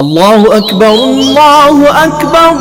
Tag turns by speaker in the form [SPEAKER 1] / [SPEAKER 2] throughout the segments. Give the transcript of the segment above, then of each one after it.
[SPEAKER 1] আল্লাহু আকবার, আল্লাহু আকবার,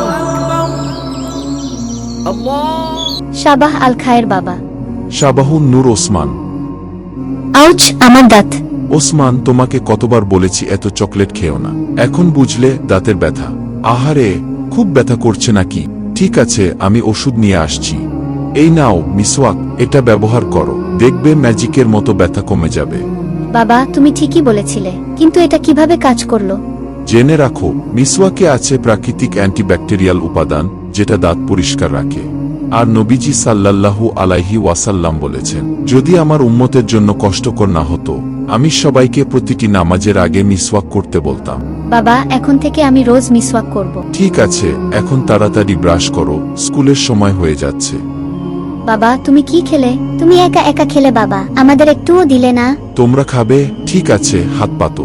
[SPEAKER 1] আল্লাহ।
[SPEAKER 2] সাবাহ আল খায়ের বাবা।
[SPEAKER 3] শাবাহুন নূর ওসমান।
[SPEAKER 2] আউচ, আমার দাঁত।
[SPEAKER 3] ওসমান, তোমাকে কতবার বলেছি এত চকলেট খেও না। এখন বুঝলে দাঁতের ব্যথা? আহারে, খুব ব্যথা করছে নাকি? ঠিক আছে, আমি ওষুধ নিয়ে আসছি। এই নাও মিসওয়াক, এটা ব্যবহার করো, দেখবে ম্যাজিকের মতো ব্যথা কমে যাবে।
[SPEAKER 2] বাবা, তুমি ঠিকই বলেছিলে, কিন্তু এটা কিভাবে কাজ করলো?
[SPEAKER 3] জেনে রাখো, মিসওয়াকে আছে প্রাকৃতিক অ্যান্টিব্যাকটেরিয়াল উপাদান, যেটা দাঁত পরিষ্কার রাখে। আর নবীজি সাল্লাল্লাহু আলাইহি ওয়াসাল্লাম বলেছেন, যদি আমার উম্মতের জন্য কষ্টকর না হতো, আমি সবাইকে প্রতিটি নামাজের আগে মিসওয়াক করতে বলতাম।
[SPEAKER 2] বাবা, এখন থেকে আমি রোজ মিসওয়াক করব।
[SPEAKER 3] ঠিক আছে, এখন তাড়াতাড়ি ব্রাশ করো, স্কুলের সময় হয়ে যাচ্ছে।
[SPEAKER 2] বাবা, তুমি কি খেলে? তুমি একা একা খেলে বাবা, আমাদের একটুও দিলে না।
[SPEAKER 3] তোমরা খাবে? ঠিক আছে, হাত পাতো।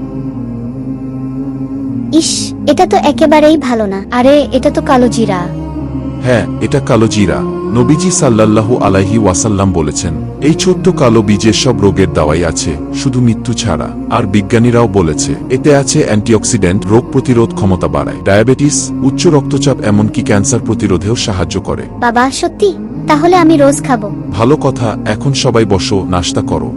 [SPEAKER 2] ইস, এটা তো একেবারেই ভালো না। আরে, এটা তো কালো জিরা।
[SPEAKER 3] হ্যাঁ, এটা কালো জিরা। নবীজি সাল্লাল্লাহু আলাইহি ওয়াসাল্লাম বলেছেন, এই ছোট্ট কালো বীজের সব রোগের দাওয়াই আছে, শুধু মৃত্যু ছাড়া। আর বিজ্ঞানীরাও বলেছে, এতে আছে অ্যান্টিঅক্সিডেন্ট, রোগ প্রতিরোধ ক্ষমতা বাড়ায়, ডায়াবেটিস, উচ্চ রক্তচাপ, এমনকি ক্যান্সার প্রতিরোধেও সাহায্য করে।
[SPEAKER 2] বাবা, সত্যি? তাহলে আমি রোজ খাবো।
[SPEAKER 3] ভালো কথা, এখন সবাই বসো, নাস্তা করো।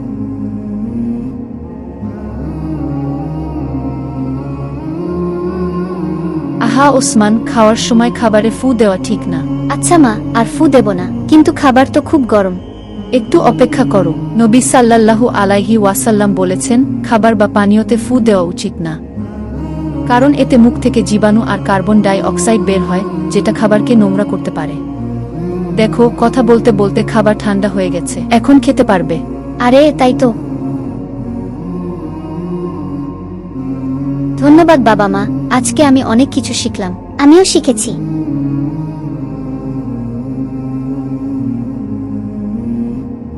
[SPEAKER 4] আহা ওসমান, খাওয়ার সময় খাবারে ফু দেওয়া ঠিক না।
[SPEAKER 2] আচ্ছা মা, আর ফু দেব না, কিন্তু খাবার তো খুব গরম।
[SPEAKER 4] একটু অপেক্ষা করো। নবী সাল্লাল্লাহু আলাইহি ওয়াসাল্লাম বলেছেন, খাবার বা পানীয়তে ফু দেওয়া উচিত না, কারণ এতে মুখ থেকে জীবাণু আর কার্বন ডাই অক্সাইড বের হয়, যেটা খাবারকে নোংরা করতে পারে। দেখো, কথা বলতে বলতে খাবার ঠান্ডা হয়ে গেছে, এখন খেতে পারবে।
[SPEAKER 2] আরে তাই তো। ধন্যবাদ বাবা মা, আজকে আমি অনেক কিছু শিখলাম। আমিও শিখেছি।